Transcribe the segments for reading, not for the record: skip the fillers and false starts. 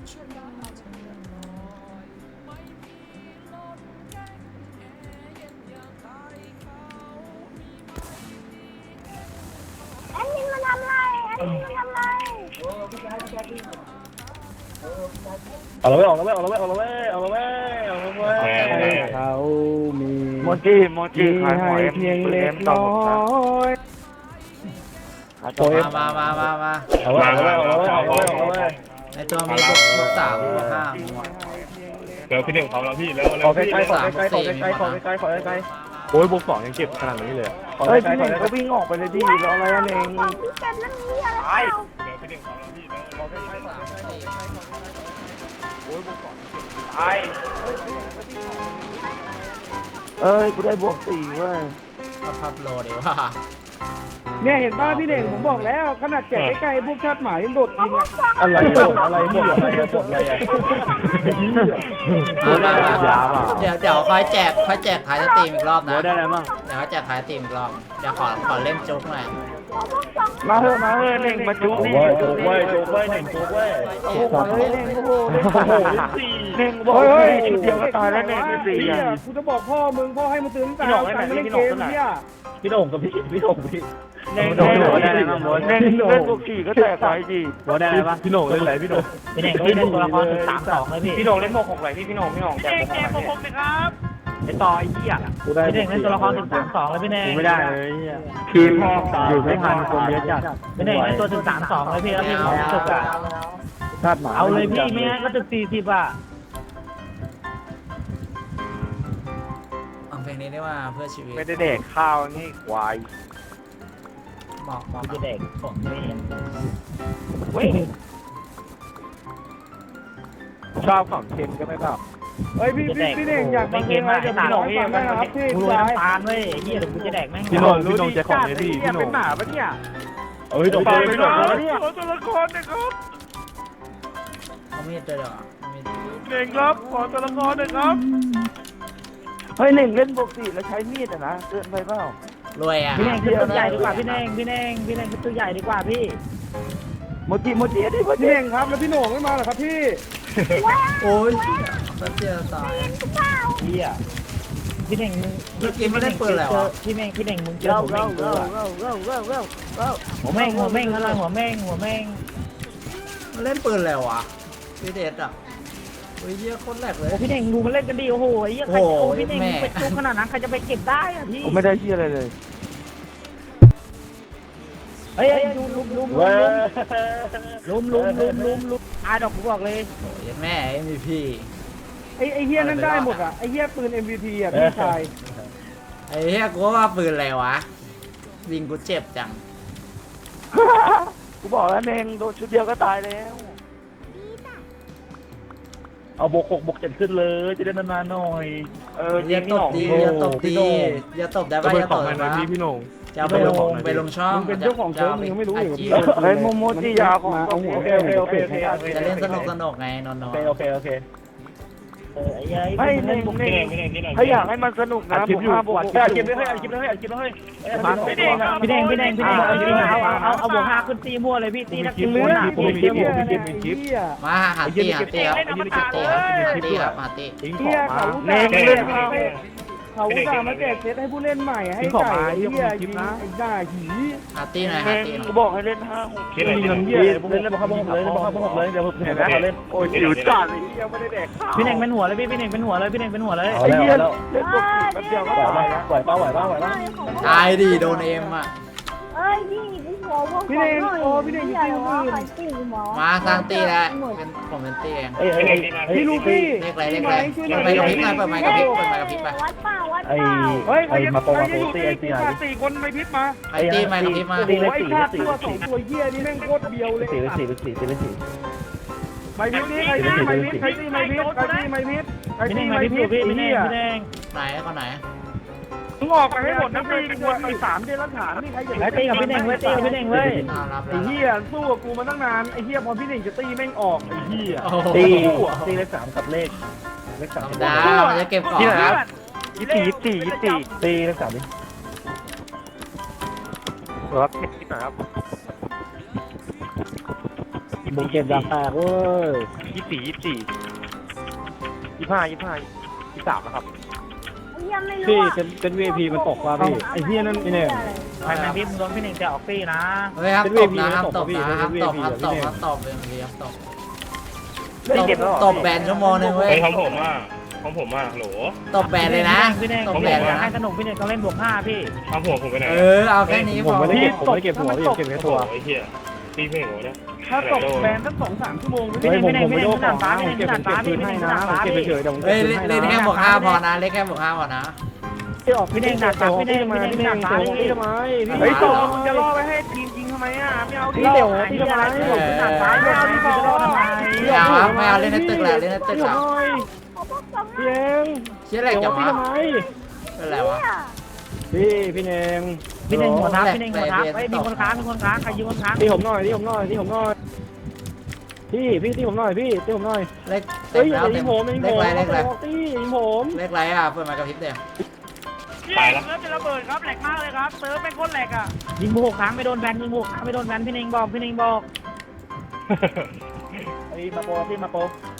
แอดมินมาทำไรแอดมินมาทำไรเอาละเว้ยเอาละเว้ยเอาละเว้ยเอาละเว้ยเอาละเว้ยเอาละเว้ยเขามีโมจิขายหอยเพียงเล็กน้อยมาเอาละเว้ยเอาละเว้ยเอาละเว้ยเอาละเว้ยในตัวมีบวก3บวก5 เดี๋ยวพี่หนึ่งเขาแล้วพี่แล้วขอใกล้ๆขอใกล้ๆขอใกล้ๆขอใกล้ๆขอใกล้ๆโอ้ยบวก2ยังเก็บขนาดนี้เลยเฮ้ยขอใกล้พี่ๆเน่งก็วิ่งออกไปเลยดิรออะไรอ่ะเน่งของพี่เต็มนั่นนี่อะไรเปล่าเดี๋ยวพี่หนึ่งเขาแล้วพี่แล้วขอใกล้ๆขอใกล้ๆโอ้ยบวก2 ไอ้เอ้ยกูได้บวก4เว้ยพับโลดีว่าเนี่ยเห็นป่ะพี่เน่งผมบอกแล้วขนาดแจกใกล้ๆพวกชาติหมายยังโดดยิงอ่ะอะไรบวกอะไรบวกอะไรบวกอะไรอ่ะเดี๋ยวค่อยแจกท้ายสตรีมอีกรอบนะได้อะไรบ้างเดี๋ยวค่อยแจกท้ายสตรีมอีกรอบเดี๋ยวขอเล่นจุกหน่อยมาเถอะเน่งมาจุ๊บโอ้นี่ยโจ๊กเว้ยโจ๊กเว้ยหนึ่งโจ๊กเว้ยโอ้โหเน่งโอ้โหเน่งบอกเฮ้ยชุดเดียวก็ตายแล้วเน่งเป็น4อ่ะกูจะบอกพ่อมึงพ่อให้มึงตื่นตั้งแต่การเล่นเกมเนี่ยพี่โด่งกับพี่โด่งพี่เน่งได้อะไรบ้างเน่งเล่นบวก4ก็แตกไปดิโบได้อะไรบ้างพี่โด่งเล่นอะไรพี่โด่งพี่เน่งพี่เล่นตัวละครถึง3-2เลยพี่พี่โด่งเล่นบวก6ไหลพี่โด่งแจกบวก6ไหลไอ้ต่อไอ้เหี้ยพี่เน่งเล่นตัวละครถึง3-2เลยพี่เน่งไม่ได้เลยคือพ่ออยู่ไม่ทันคนเยอะจัดพี่เน่งเล่นตัวถึง3-2เลยพี่แล้วพี่จุกอ่ะชาติหมาเอาเลยพี่ไม่งั้นก็ถึง40อ่ะเอาเพลงนี้ได้ว่าเพื่อชีวิตไม่ได้เด็กข้าวนี่ควายบอกจะเด็กผมไม่เห็นเว้ยชอบของเค็มก็ไม่แบบเฮ้ยพี่เน่งอยากไม่เค็มมากจะพี่หน่องเองนะครับพี่กูโรยน้ำตาลเว้ยเฮียเดี๋ยวกูจะแดกแม่งพี่โด่งจะของเลยพี่พี่โด่เป็นงหมาปะเนี่ยเอ้ยโด่งพี่โด่งตัวละครนะครับเขาไม่เจอหรอเน่งครับขอตัวละครนะครับเฮ้ยเน่งเล่นบวก4แล้วใช้มีดอ่ะนะเกินไปเปล่ารวยอ่ะพี่เน่งคือตัวใหญ่ดีกว่าพี่เน่งคือตัวใหญ่ดีกว่าพี่โมจิดิพี่เน่งครับแล้วพี่โหน่งไม่มาเหรอครับพี่โอ้ยสัตว์เจียวตายเฮียพี่เน่งเมื่อกี้ไม่ได้เปิดแล้วพี่เน่งมึงเจอผมเองหัวแม่งอะไรหัวแม่งมันเล่นปืนแล้วอ่ะพี่เดชอ่ะโอ้ยเยี่ยคนแรกเลยพี่เน่งดูมันเล่นกันดีโอ้โหไอ้เหี้ยใครจะเอาพี่เน่งไปจุกขนาดนั้นใครจะไปเก็บได้อะพี่ผมไม่ได้เฮียอะไรเลยเฮ้ยดูลุมเว้ยอาดอกกูบอกเลยแม่ MVP ไอ้เฮียนั่นได้หมดอ่ะไอ้เฮียปืน MVP อ่ะพี่ชายไอ้เหี้ยกูว่าปืนอะไรวะยิงกูเจ็บจังกูบอกแล้วเน่งโดนชุดเดียวก็ตายแล้วเอาบวก6บวก7ขึ้นเลยจะได้นานๆหน่อยอย่าตบดีอย่าตบได้ป่ะอย่าตบได้ป่ะพี่โด่งจะเอาไปลงช่องมึงเป็นเจ้าของเชิงมึงยังไม่รู้อีกเฮ้ยโมจิยาของเอาหัวโอเคจะเล่นสนุกไงนอนโอเคไอ้เหี้ยให้เน่งถ้าอยากให้มันสนุกนะคลิปอยู่บวกอัดคลิปด้วยอัดคลิปด้วยพี่เน่งเอาบวก5ขึ้นตีมั่วเลยพี่ตีนักตีมั่วหนามาหาตีครับตีครับทิ้งขเฮีอย งมาเขาเน่งเล่นเขาอุตส่าห์มาแจกเซตให้ผู้เล่นใหม่ให้จ่ายเฮียยิงไอ้ด่าหีหาตีหน่อยหาตีหน่อยกูบอกให้เล่น5-6 เล่นน้ำเยี่ยเล่นบอลข้าวเลยเดี๋ยวผมเห็นแล้วเล่นโอ้ยจิ๋วจัดเลยเฮียไม่ได้แดกข้าวพี่เน่งเป็นหัวเลยพี่เน่งเป็นหัวเลยไอ้เฮียเล่นบวก4แป๊บเดียวก็ตายแล้วไหวป่ะตายดิโดนเอ็มอ่ะเอ้ยพี่หัวว่าพี่เน่งโอ้พี่เน่งอยู่ที่อื่นใครตีหมอมาสร้างตีแล้วผมเป็นตีเองพี่ลูกพี่เรียกอะไรเปิดไมค์กับพริบไปเปิดไมค์กับพริบไปวัดเปล่าเฮ้ยใครมาโปรโมทตีไอซี4คนไม่พิษมาไอตีไมค์กับพริบมาโอ้ยค่าตัว2ตัวเฮียนี่แม่งโคตรเบียวเลยไม่พิษนี่ใครตีไม่พิษใครตีไม่พิษใครตีไม่พิษใครพี่ตีเน่งไม่พี่พิษพี่ไอ้เน่เหี้ยงไหนคนไหนมึงออกไปให้หมดนะพี่ควรมี3เดือนรักฐานนี่ใครอย่าไอ้ตีกับพี่เน่งเว้ยตีกับพี่เน่งเว้ยรับไอ้เหี้ยสู้กับกูมาตั้งนานไอ้เหี้ยพอพี่หนึ่งจะตีแม่งออกไอ้เหี้ยตีเลข3กับเลข3 ดามันจะเก็บของครับ 24ตีเลข3ดิครับคิดหน่อยครับบุกเก็บยางแตกเว้ย 23นะครับยังไม่รู้พี่อ่ะเป็น VIP มันตกว่ะพี่ไอ้เหี้ยนั่นนี่เนี่ยไปแมนพี่มึงโดนพี่เน่งจะออกตี้นะเฮ้ยห้ามเป็นตบ VIP นะห้ามตตบบ พี่นะห้ามตบเป็นห้าม VIP ตบพี่ห้ามตบเป็นทีห้ามตบไม่เจ็บแล้วตบแบนชั่วโมงนึงเว้ยเฮ้ยของผมโหลตบแบนเลยนะพี่เน่งตบพี่แบเน่นงเลยนะให้สนุกพี่เน่งต้องเล่นบวก5พี่ของผมไปไหนเอาแค่นี้ผพมอไม่ได้เก็บหัวพี่เก็บแค่ตัวไอ้เหี้ยตีไม่หัวเนี่ยถ้าตกแบนสัก2-3 ชั่วโมงเฮ้ยผมไม่ได้ของนะผมเก็บคืนให้นะผมเก็บเฉยๆเดี๋ยวผมเฮ้ยเก็บคืนให้เล่นแค่นะบวก5พอนะเล่นแค่บวก5พอนะที่ออกพี่เน่งดักจับพี่เน่งพี่พี่เน่งเน่งดักเดี๋ยวพี่ทำไมพี่เฮ้ยโตมึงจะล่อไปให้ทีมยิงทำไมอ่ะไม่เอาดิพี่เดี๋ยวพี่ทำไมผมดักซ้ายไม่เอาพี่บอลทำไมไม่เอาเล่นในตึกแหละเล่นในตึกพี่แหละหน่อยขอพวกสองพี่เองเชี่ยอะไรเดี๋ยวจังพี่วะทำไมเป็นไรวะพี่เนงพี่เน่งหัวทับพี่เน่งหัวทับไอ้มีคนค้างใครยืมคนค้างที่ผมหน่อยที่ผมหน่อยที่ผมหน่อยพี่ที่ผมหน่อยพี่ที่ผมหน่อยเล็กเฮ้ยอย่ายิงผมอย่ายิงเล็ผกมไรเล็กไรตี้ยิงผมเล็กไรอ่ะเปิดมากระพริบเดียวตายแล้วเซิร์ฟจะระเบิดครับแหลกมากเลยครับเซิร์ฟเป็นคนแหลกอ่ะยิงบุกค้างไม่โดนแบนยิงบุกค้างไม่โดนแบนพี่เน่งบอกไอ้มาโปที่มาโป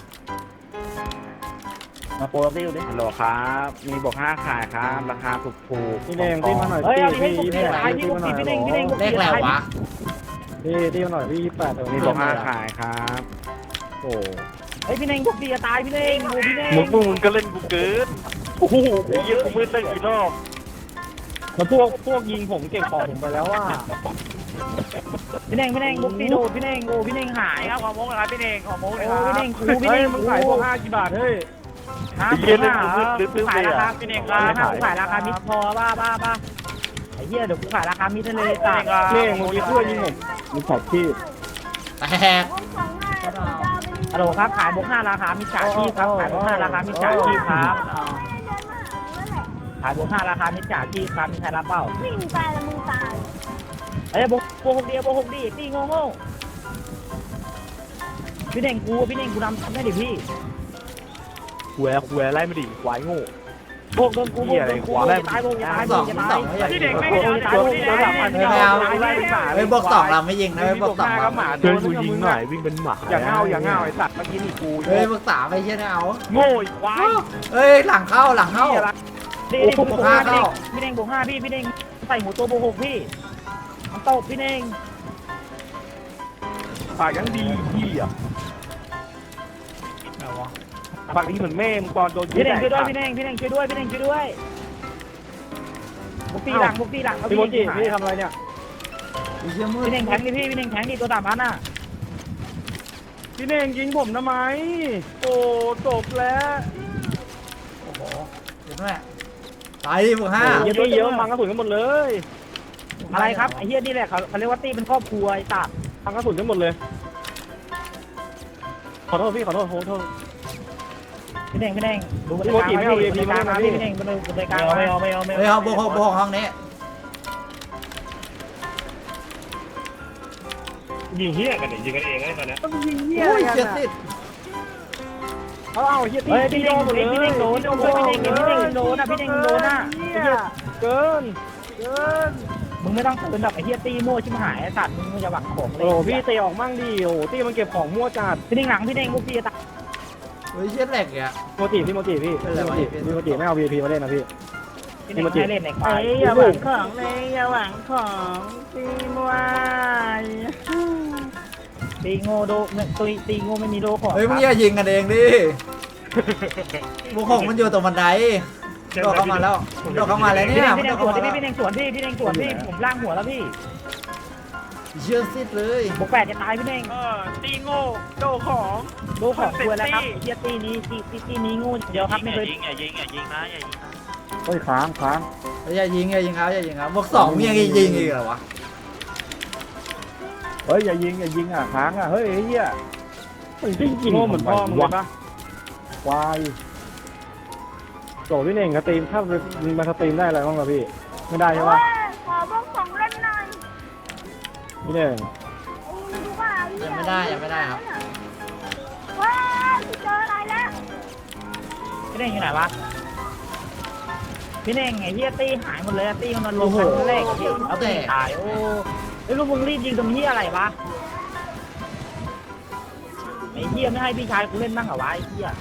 ที่อยู่ดิฮัลโหลครับมีบวก5ขายครับราคาถูกพี่เนงที่มาหน่อยเฮ้ยเอาดิให้พี่บุกตีตายพี่บุกตีพี่เน่งบุกเล็กไรวะที่มาหน่อยพี่28 มีบวก5ขายครับโอ้เฮ้ยพี่เน่งบุกตีจะตายพี่เน่งดูพี่เน่งมึงก็เล่นกูเกินโอ้โหไอ้เหี้ยกูมืดตั้งกี่รอบแล้วพวกยิงผมเก็บของผมไปแล้วว่าพี่เน่งบุกตีโดดพี่เน่งโอ้พี่เน่งหายครับขอโมกนะครับพี่เน่งขอโมกเลยครับพี่เน่งครูพี่เฮ้ยเน่งมึงขายพวก5กี่บาทเฮ้ยขายราคาพี่เน่งขายราคามิดพอบ้าไอ้เหี้ยเดี๋ยวกูขายราคามิดได้เลยจ้าเน่งมึงยิงช่วยยิงผมมึงขอบที่แตกพวกสองง่ายผมจะเอาไปฮัลโหลครับขายบวก5ราคามิดจ่ายที่ครับขายบวก5ราคามิดจ่ายที่ครับเดินมาหาเมื่อไหร่ขายบวก5ราคามิดจ่ายที่ครับมีใครรับเปล่าวิ่งไปแล้วมึงตายเอ้ยบวก6ดีตีโง่พี่เน่งกูนำได้ดิพี่แหวไล่มาดิควายโง่โบกโดนกูจะตายโบกจะตายพี่เด็กไม่ตายโบกจะตายเฮ้ยบวก2เราไม่ยิงนะเฮ้ยบวก2เราเชิญกูยิงหน่อยวิ่งเป็นหมาอย่างเงาไอ้สัตว์เมื่อกี้นี่กูเฮ้ยบวก3ไม่เชี่ยนะเอาโง่อีกควายเฮ้ยหลังเข้าพี่เน่งบวก5พี่เน่งบวก5พี่เน่งใส่หมูตัวโบก6พี่มันตบพี่เน่งปากยังดีพี่อ่ะปากดีเหมือนแม่มึงตอนโดนพี่เน่งช่วยด้วยพี่เน่งช่วยด้วยบุกตีหลังพี่โมจิพี่ทำอะไรเนี่ยพี่เน่งแทงดิพี่เน่งแทงดิตัว3,000อ่ะพี่เน่งยิงผมทำไมโอ้จบแล้วโอ้โหเห็นไหมตายดิบวก5 เยอะมังกระสุนกันหมดเลยอะไรครับไอ้เหี้ยนี่แหละเขาเรียกว่าตีเป็นครอบครัวไอ้ตัดมังกระสุนกันหมดเลยขอโทษพี่ขอโทษพี่เน่งดูบรรยากาศพี่เน่งบรรยากาศไม่เอาเฮ้ยบวก6ห้องนี้ยิงเหี้ยกันเนี่ยยิงกันเองไอ้ตอนเนี้ยยิงเหี้ยโอ้ยเจ็ดสิเอาเฮียเฮ้ยตีพี่เน่งหมดเลยโดนพี่เน่งโดนอ่ะเกินมึงไม่ต้องตื่นแบบไอ้เหี้ยตีมั่วชิบหายไอ้ตัดมึงจะหวังของเลยโอ้พี่เตะออกมั่งดิโอ้ตีมันเก็บของมั่วจัดพี่เน่งหลังพี่เน่งมุกพี่ตัดเฮ้ยเชี่ยแหลกอ่ะพี่โมจิไม่เอา VIP มาเล่นนะพี่พี่เน่งไม่เล่นไหนควายอย่าหวังของตีมั่วตีโง่โดตีโง่ไม่มีโดของเฮ้ยมึงอย่ายิงกันเองดิบวก6มันอยู่ตรงบันไดโดดเข้ามาแล้วเนี่ยพี่เน่งสวนพี่เน่งสวนพี่ผมล่างหัวแล้วพี่เชื่อซิดเลยบวก8จะตายพี่เน่งตีโง่โดของโดของควรแล้วครับเฮียตีนี้โง่เดียวครับไม่เคยอย่ายิงนะเฮ้ยค้างอย่ายิงครับบวก2มียังยิงอีกเหรอวะเฮ้ยอย่ายิงอ่ะค้างอ่ะเฮ้ยเฮียจริงโง่เหมือนพ่อมึงเลยปะควายโจพี่เน่งสตรีมถ้ามาสตรีมได้อะไรบ้างครับพี่ไม่ได้ใช่ปะขอพวกสองเล่นหน่อยพี่เน่งดูว่ายังไม่ได้ครับว้าเจออะไรแล้วพี่เน่งอยู่ไหนวะพี่เน่งไอ้เฮียตีหายหมดเลยตีมันลงกันแรกเอาตีตายโอ้ไอ้ลูกมึงรีบยิงตรงนี้อะไรวะไอ้เหี้ยไม่ให้พี่ชายกูเล่นบ้างเหรอวะไอ้เหี้ย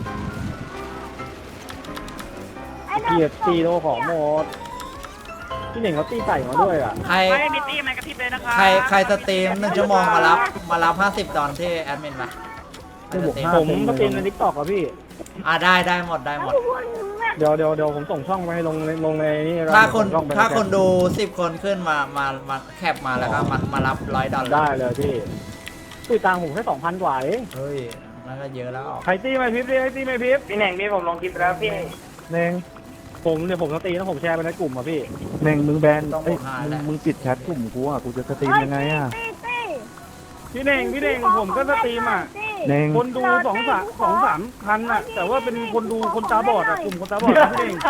ไอ้ดอกเกียรตีโลของหมดพี่เน่งเขาตีไก่มาด้วยอ่ะใครไม่มีตีมันกระพริบเลยนะคะใครสตรีม1 ชั่วโมงมารับ50ดอลที่แอดมินปะใครสตรีมผมก็ตีในทิกตอกอ่ะพี่ได้หมดเดี๋ยวผมส่งช่องไปให้ลงในนี่ถ้าคนช่องไปถ้าคนดู10 คนขึ้นมาแคปมาแล้วก็มารับ100 ดอลได้เลยพี่ตีตังค์ผมแค่2,000 กว่าเองเฮ้ยนั่นก็เยอะแล้วใครตีไม่พิบดิใครตีไม่พิบพี่แหน่งนี่ผมลงคลิปแล้วพี่เน่งผมจะตีแล้วผมแชร์ไปในกลุ่มอ่ะพี่เน่งมึงแบนต้องเอ้ยหาแหละมึงปิดแชทกลุ่มกูอ่ะกูจะสตรีมยังไงอ่ะพี่เน่งผมก็สตรีมอ่ะเน่งคนดู2-3พันอ่ะแต่ว่าเป็นคนดูคนตาบอดอ่ะกลุ่มคนตาบอดพี่เน่ง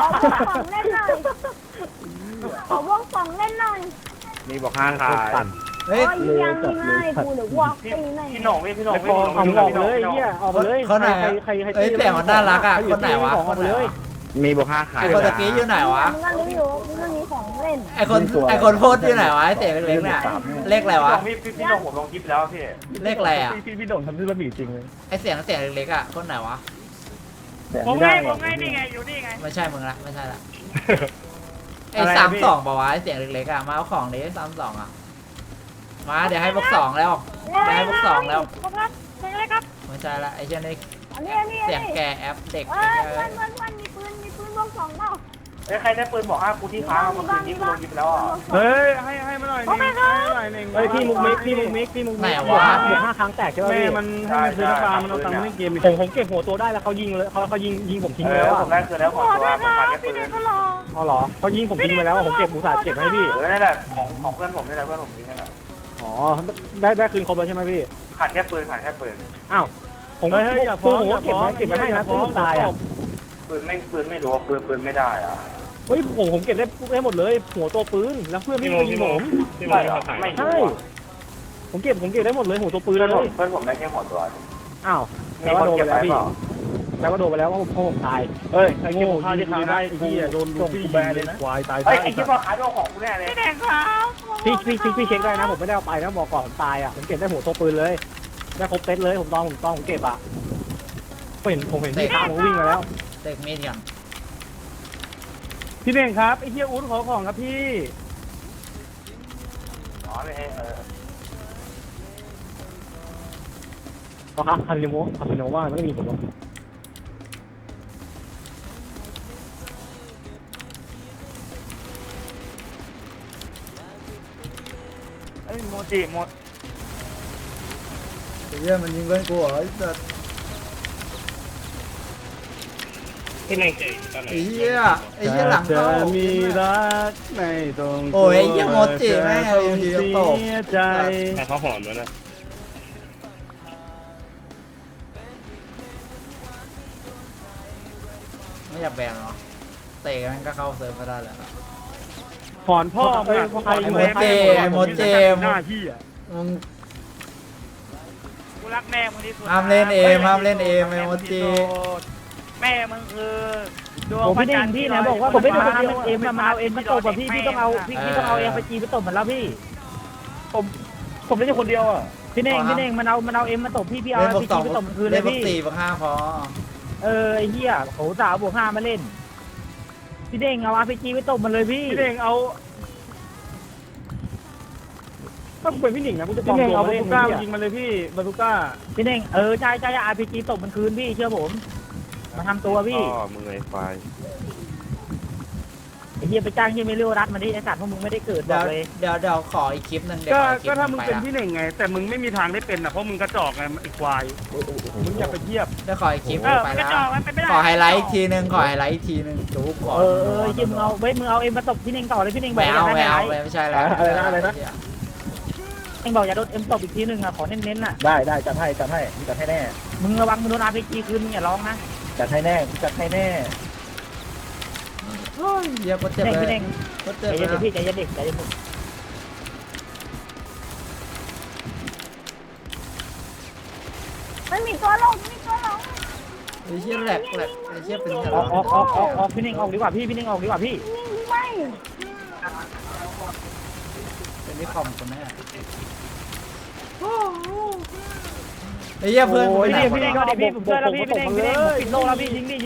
ขอวงสองเล่นหน่อยมีบอกห้าขายปั่นเฮ้ยโอ้ยยังไม่กูเดี๋ยววอกตีหน่อยพี่หน่องพี่หน่องไอ้ฟองเอาออกเลยเฮียออกไปเลยคนไหนใครเอ้ยแต่มันน่ารักอ่ะคนไหนวะออกไปเลยมีบอกห้าขายไอคนตะกี้อยู่ไหนวะมึงก็รู้อยู่มึงก็มีของเล่นไอคนโพสต์อยู่ไหนวะไอเสียงเล็กๆเนี่ยเลขอะไรวะพี่หน่องผมลงคลิปแล้วพี่เลขอะไรอ่ะพี่โด่งทำด้วยบะหมี่จริงเลยไอเสียงเล็กๆอ่ะคนไหนวะผมไงนี่ไงอยู่นี่ไงไม่ใช่มึงละไม่ใช่ละไออะไรอะ 32บอกว่าไอเสียงเล็กๆอ่ะมาเอาของดิ32อ่ะมาเดี๋ยวให้บวก2แล้วเดี๋ยวให้บวก2แล้วครับเล่นเลยครับไม่ใช่ละไอเช่นนี้อันนี้เสียงแกแอปเด็กเอ้ยมันมีปืนวงสองเปล่าใครได้ปืนบอกห้ากูที่ค้างเมื่อคืนนี้กูลงคลิปแล้วอ่ะเฮ้ยให้มาหน่อยนึงให้มาหน่อยนึงเฮ้ยพี่มุกมิกบวก5 ครั้งแตกใช่ป่ะพี่แม่มันให้มันซื้อน้ำปลามันเอาตังค์มาเล่นเกมผมเก็บหัวตัวได้แล้วเขายิงเลยเขายิงผมทิ้งไปแล้วผมได้คืนแล้วของตัวผมขาดแค่ปืพี่นเด็กก็รออ๋อเหรอเขายิงผมทิ้งไปแล้วผมเก็บอุตส่าห์เก็บให้พี่นั่นแหละของเพื่อนผมนี่แหละเพื่อนผมนี่แหละอ๋อได้คืนครบแล้วใช่ไหมพี่ขาดแค่ปืนอ้าวผมอย่าฟ้องเก็บไว้ให้นะปืนตายอ่ะปืนไม่รู้ปืนไม่ได้อ่ะเฮ้ยผมเก็บได้หมดเลยหัวตัวปืนแล้วเพื่อนพี่ยิงผมไม่ใช่ผมเก็บได้หมดเลยหัวตัวปืนเลยเพื่อนผมได้แค่หัวตัวอ้าวมีแล้วคก็นโดนเก็ไปบแล้วพี่ไว้เปล่าแล้วก็โดนไปแล้วเพราะผมตายเฮ้ยไอ้เก็บของข้าที่ค้างได้ที่โดนพี่แบนเลยนะควายตายไอ้คิดว่าขายตัวของกูแน่เลยพี่เด็กครับพี่เช็คได้นะผมไม่ได้เอาไปนะบอกก่อนผมตายอ่ะผมเก็บได้หัวตัวปืนเลยได้ครบเซตเลยผมเก็บอ่ะผมเห็นพี่ค้างผมวิ่งมาแล้วเด็กมีดก่อนพี่เน่งครับไอ้เฮียอุ้นขอของครับพี่อ๋อเลยครับคาริโนว่าไม่มีผมหรอกโมจิหมดเฮียมันยิงเพื่อนกูเหรอไอ้สัสที่ไหนไอ้เฮียหลังเข้าจะมีรักในตรงโอ้ยไอ้เหี้ยโมจิแม่งเอาอยู่ดีก็ตกเสียใจแต่เขาหอมแล้วนะไม่อยากแบนหรอเตะกันก็เข้าเซิร์ฟก็ได้แหละถอนพ่อไปใครไอ้โมเจหน้าที่อ่ะมึงกูรักแม่มึงที่สุดห้ามเล่นเอมไอ้โมจิแม่มึงคือดวงผมพระไม่ได้จันทร์พี่ที่นะบอกว่าผมไม่ได้เอาเอ็มมาเอาเอ็มมาตบอ่ะพี่ต้องเอาเอ็มไปจีไปตบเหมือนแล้วพี่ผมไม่ใช่คนเดียวอ่ะพี่เน่งมันเอาเอ็มมาตบพี่เอาเล่นไปบวกจี 2 ไปตบคืนเลเล่ยนบวกพี่ 4บวก5พอไอ้เหี้ยโหสาวบวก5มาเล่นพี่เน่งเอาRPG ไปตบมันเลยพี่พี่เน่งเอาถ้ากูเป็นพี่หนิงนะกูจะปลอมตัวมาเล่นบาซูก้ายิงมันเลยพี่บาซูก้าพี่เน่งใช่ RPG ตบมันคืนพี่เชื่อผมมาทำตัวพี่มึงไอ้ไฟไอ้เหี้ยไปจ้างเหี้ยไม่เลี้ยวรัดมาดิไอ้สัตว์พวกมึงไม่ได้เกิดบอกเลยเดี๋ยวขออีกคลิปนึงเดี๋ยวก็ขออีกคลิปถ้ามึงไปเป็นละพี่หนิงไง แต่มึงไม่มีทางได้เป็นอ่ะเพราะมึงกระจอกไงไอ้ควายมึงอย่าไปเทียบเดี๋ยวขออีกคลิปเออไปมันกระละจอกมันเป็นไม่ได้ขอไฮไลท์อีกทีนึงดูก่อนเหี้ยมึงเอาเอ็มมาตบพี่เน่งต่อเลยพี่เน่งบไม่อกเอาอย่าไม่ได้เอาไฮไลท์ไม่ใช่แล้วอะไรนะเอ็งบอกอย่าโดนเอ็มตบอีกทีนึงอ่ะขอเน้นๆอ่ะได้จัดให้แน่มึงระวังมึงโดน RPG คืนมึงอย่าร้องนะจัดให้แน่โอ้ยเหี้ยก็เจ็บเน่งเลพี่ยเน่งก็ใจเจ็บเลเย็ยนพี่ใจเย็นเด็กใจเย็นไม่มีตัวลงไอ้เหี้ยแหลกไอ้เหี้ยเป็นแหลกออกพี่เน่งออกดีกว่าพี่เน่งออกดีกว่าพี่นิ่งไม่เป็นที่คอมคนแน่ไอ้เหี้ยเพื่อนกูโอ้ไปยไหนพี่หมดเน่งวะก็เดี๋ยวพี่ผมช่วยแล้วพี่เน่งผมปิดโลแล้วพี่ยิงดิ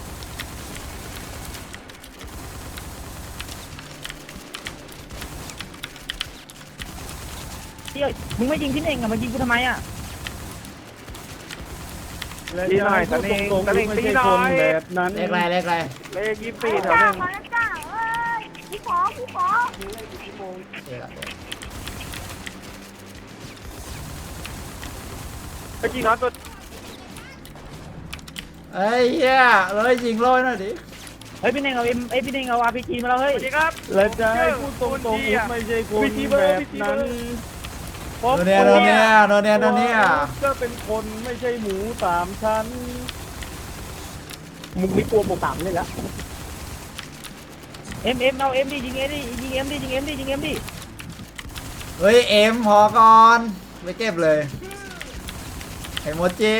เฮ้ยมึงไม่ยิงพี่เน่งอ่ะมึงยิงกูทำไมอ่ะตีหน่อยตะเน่งตะเน่งตีหน่อยแบบนั้นเลขอะไรเลขอะไรเลข24 พี่แถวจ้าหนึ่งมาแล้วจ้าเอ้ยพี่ขอเลขอะไรเมื่อกี้น็อตตัวไอ้เหี้ยเลยยิงโรยหน่อยดิเฮ้ยพี่เน่งเอาพี่เน่งเอาRPG มาแล้วเฮ้ยสวัสดีครับแล้วจะให้พูดตรงๆไม่ใช่คนแบบนั้นโดนเนี่ยก็เป็นคนไม่ใช่หมูสามชั้นมึงไม่กลัวหมูสามเลยละเอ็มเอาเอ็มดิยิงเอ็มดิยิงเอ็มดิยิงเอ็มดิยิงเอ็มดิเฮ้ยเอ็มพอก่อนไปเก็บเลยไอโมจิ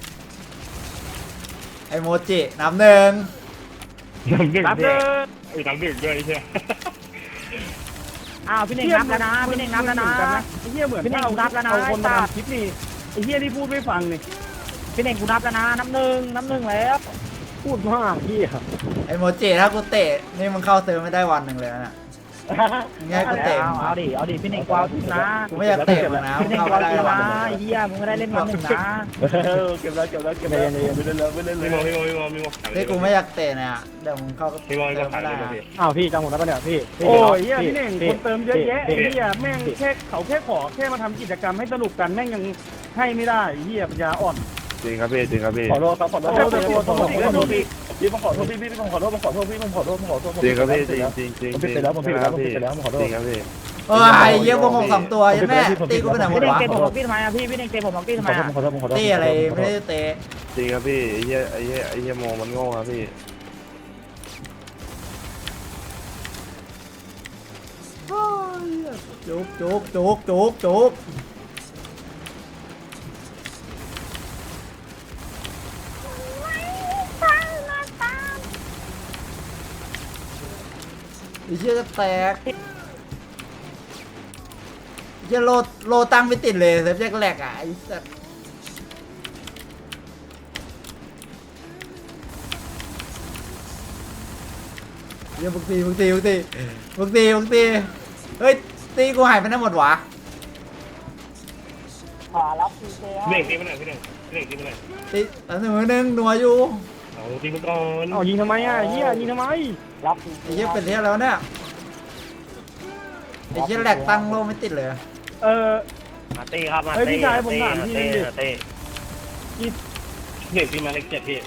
น้ำหนึ่งรับเลยอ้าวพี่เน่งนับแล้วนะพี่เน่งนับแล้วนะไอ้เหี้ยเหมือนพี่เน่งกูนับแล้วนะเอาคนมาทำคลิปนี่ไอ้เหี้ยนี่พูดไม่ฟังนี่พี่เน่งกูนับแล้วนะนับหนึ่งแล้วพูดมากพี่อะไอโมจิถ้ากูเตะนี่มึงเข้าเซิร์ฟไม่ได้วันหนึ่งเลยนะง่ายกูเตะเอาดิพี่เน่งกูเอาทุกนะกูไม่อยากเตะมึงนะพี่เน่งเข้ากูไม่เอาได้ทุกวันนะหนึ่งเฮียมึงไม่ได้เล่นวันหนึ่งนะเก็บแล้วไม่เล่นเลยที่กูไม่อยากเตะเนี่ยเดี๋ยวมึงเข้าเซิร์ฟไม่ได้นะอ้าวพี่จำผมได้ปะเนี่ยพี่โอ้ยเฮียพี่เน่งคนเติมเยอะแยะไอ้เฮียแม่งแค่เขาแค่ขอแค่มาทำกิจกรรมให้สนุกกันแม่งยังให้ไม่ได้เฮียปัญญาอ่อนจริงครับพี่จริงครับพี่ขอโทษครับขอโทษพี่ผมขอโทษพี่ผมขอโทษผมขอโทษพี่ผมขอโทษผมขอโทษจริงครับพี่จริงจริงจริงผมผิดไปแล้วผมผิดไปแล้วผมผิดไปแล้วผมขอโทจษริงครับพี่เออไอ้เยี่ยมวง2ตัวยันแม่ตีกูไปไหนหมพี่ดเน่งวะเตะผมออกพี่ทำไมอ่ะพี่เน่งเตะผมออกพี่ทำไมอ่ะขอโทษผมขอโทษตีอะไรไม่ได้เตะจริงครับพี่ไอ้เหี้ยโมมันโง่ครับพี่จุกตามมาตามไอ้เชี่ยจะแตกไอ้เชี่ยโลตั้งไม่ติดเลยเซฟแจ็คแหลกอ่ะไอ้สัสเฮียมึงตีเฮ้ยตีกูหายไปไหนหมดวะขอรับพีเจเน่งตีมันหน่อยพี่เน่งตีมันหน่อยตีอันหนึ่งนัวอยู่เอาตีมันก่อนเอายิงทำไมอ่ะเฮียยิงทำไมรับไอ้เชี่ยเป็นเที่ยแล้วเนี่ยไอ้เชี่ยแหลกตั้งโลไม่ติดเลยมาตีครับมาเฮ้ยตีพี่ชายผมถามพี่นึงดิเต้เด็กตีมาเล็ก7พี่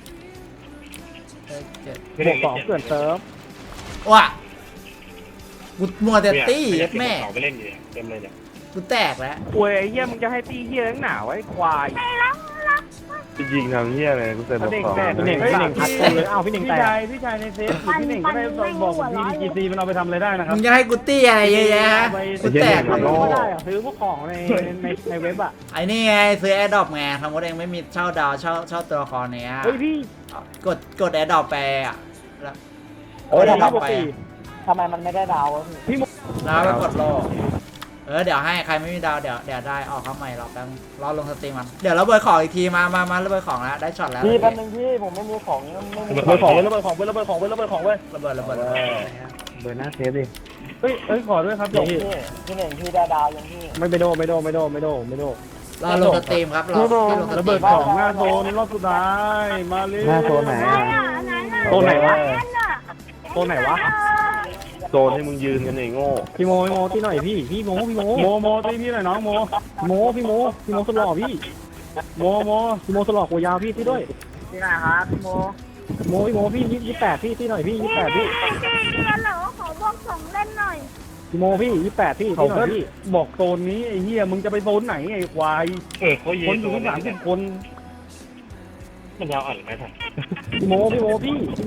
บวกสองเกินเซิร์ฟว่ะกูมัวแต่ตีแม่เขาไปเล่นอยู่เต็มเลยเนี่ยกูแตกแล้วป่วยไอ้เฮียมึงจะให้ตีเฮียตั้งหนาไว้ควายจริงทำเหี้ยอะไรกูเต็มบอกสองพี่เน่งพัดเลยอ้าวพี่เน่งพี่แตกชายในเฟซพี่เน่งก็ได้บอกผมพี่ดีจีมันเอาไปทำอะไรได้นะครัมึบงจะให้กูตีอะไรเยอะแยะกูแตกก็ได้อะซื้อพวกของในเว็บอะไอ้นี่ไงซื้อแอร์ดรอปไงสมมติเองไม่มีเช่าดาวเช่าตัวละครเนี้ยเฮ้ยพี่กดแอร์ดรอปไปอ่ะแล้วโอ้ยแอร์ดรอปปกไปติทำไมมันไม่ได้ดาวแล้วไปกดโลเดี๋ยวให้ใครไม่มีดาวเดี๋ยวได้ออกเข้าใหม่รอแป๊บรอลงสตรีมมันเดี๋ยวเราเบิร์ของอีกทีมาระเบิดของแล้วได้ช็อตแล้วพี่แป๊บนึงพี่ผมไม่มีของไม่มีระเบิดของเว้ยระเบิดของเว้ยระเบิดของเว้ยระเบิดของเว้ยระเบิดเบอร์หน้าเซฟดิเฮ้ยขอด้วยครับพี่พี่เน่งพี่ได้ดาวยังพี่ไม่โดรอลงสตรีมครับรอที่ลงสตระรีเบิดมของหน้าโซนรอบสุดท้ายมาเลยหน้าโซนไหนไหนอ่ะไหนอ่ะโซนไหนวะนั่นน่ะโซนไหนวะโซนให้มึงยืนกันไอ้โง่พี่โมที่หน่อยพี่โมโมตีพี่หน่อยน้องโมพี่โมสลอพี่โมพี่โมสลอหัวยาวพี่ที่ด้วยที่ไหนครับพี่โมพี่โมพี่28พี่ที่หน่อยพี่28พี่พี่กันเหรอขอบอกสองเล่นหน่อยพี่โมพี่28พี่เขาที่หน่ก็อยพี่บอกโซนนี้ไอ้เหี้ยมึงจะไปโซนไหนไอ้ควายเขายืคน นอยู่ทั้ง30 คนมันยาวอ่อนไหมท่านพี่โมที่หน่อย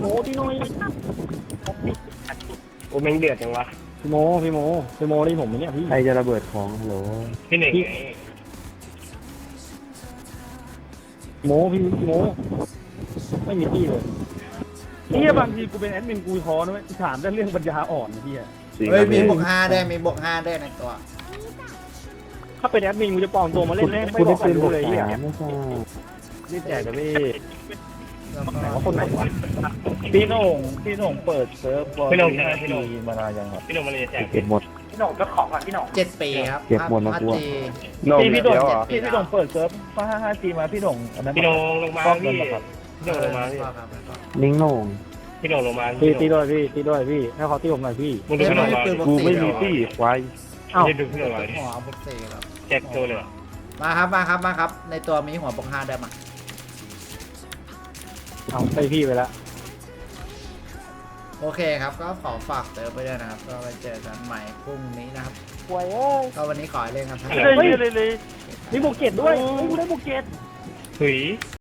โอ้แม่งเดือดจังวะพี่โมนี่ผมเนี่ยพี่ใครจะระเบิดของฮัลโหลพี่เน่งพี่โมไม่มีที่เลยเหี้ยบางทีกูเป็นแอดมินกูท้อนะเว้ยถามแต่เรื่องปัญญาอ่อนไอ้เหี้ยจริงเฮ้ยครับมีพี่บวก5ได้ในตัวถ้าเป็นแอดมินกูจะปลอมตัวมาเล่นไม่บอกใครรู้เลยเฮียรีบแจกกันพี่ไหนว่าคนไหนวะพี่โหน่งเปิดเซิร์ฟบอลทีมานานยังครับพี่หนุ่มมาเลยแจกเก็บหมดพี่หน่งก็ของก่อนพี่หน่ง 7 ปีครับเก็บหมดแล้วกู พี่โด่งพี่โด่งเปิดเซิร์ฟฟ้า5Gมาพี่โด่งอันนั้นพี่หนุ่มลงมาป้องพี่กันครับพี่หนุ่มลงมาพี่นิ้งโหน่งพี่หนุ่มลงมาพี่ตีด้วยพี่ตีด้วยพี่ให้เขาตีผมหน่อยพี่มึงดูพี่หนุ่มมากูไม่มีตี้ควายเอ้าไม่ดูพี่หนุ่มมาหัวบวก4ครับแจกตัวเลยมาครับในตัวมีหัวบวก5ได้มาเอาไปพี่ไปแล้วโอเคครับก็ขอฝากเติมไปด้วยนะครับก็ไปเจอกันใหม่พรุ่งนี้นะครับป่วยเอ้ยก็วันนี้ขอให้เล่นกันทั้งเลยเลยมีบุกเก็ตด้วยกูได้บุกเก็ตถุย